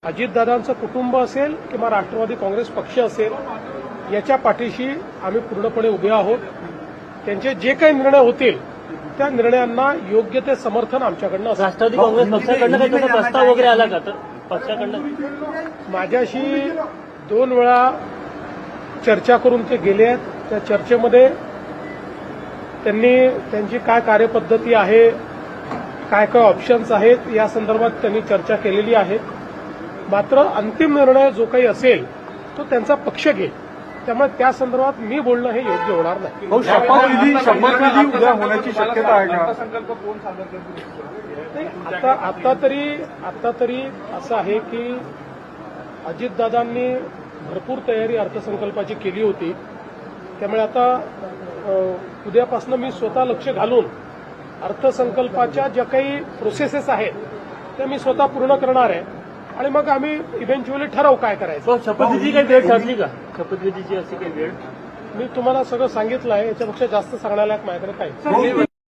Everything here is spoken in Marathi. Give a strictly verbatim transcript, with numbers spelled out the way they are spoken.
अजितदादांचं कुटुंब असेल किंवा राष्ट्रवादी काँग्रेस पक्ष असेल याच्या पाठीशी आम्ही पूर्णपणे उभे आहोत. त्यांचे जे काही निर्णय होतील त्या निर्णयांना योग्य ते समर्थन आमच्याकडनं असेल. राष्ट्रवादी काँग्रेस पक्षाकडनं काही तसा प्रस्ताव वगैरे आला का? तर पक्षाकडनं माझ्याशी दोन वेळा चर्चा करून ते गेले आहेत. त्या चर्चेमध्ये त्यांनी त्यांची काय कार्यपद्धती आहे, काय काय ऑप्शन्स आहेत या संदर्भात त्यांनी चर्चा केलेली आहे. मात्र अंतिम निर्णय जो काही असेल तो त्यांचा पक्ष घेईल. त्यामुळे त्या संदर्भात मी बोलणं हे योग्य होणार नाही. भाऊ, शपथविधी शपथविधी उद्या होण्याची शक्यता आहे का? आता आता तरी आता तरी असं आहे की अजितदादांनी भरपूर तयारी अर्थसंकल्पाची केली होती. त्यामुळे आता उद्यापासून मी स्वतः लक्ष घालून अर्थसंकल्पाच्या ज्या काही प्रोसेसेस आहेत त्या मी स्वतः पूर्ण करणार आहे आणि मग आम्ही इव्हेंच्युअली ठरवू काय करायचं. शपथविधीची काही वेळ ठरली का? शपथविधीची अशी काही वेळ मी तुम्हाला सगळं सांगितलं आहे. याच्यापेक्षा जास्त सांगण्यालायक माझ्याकडे काही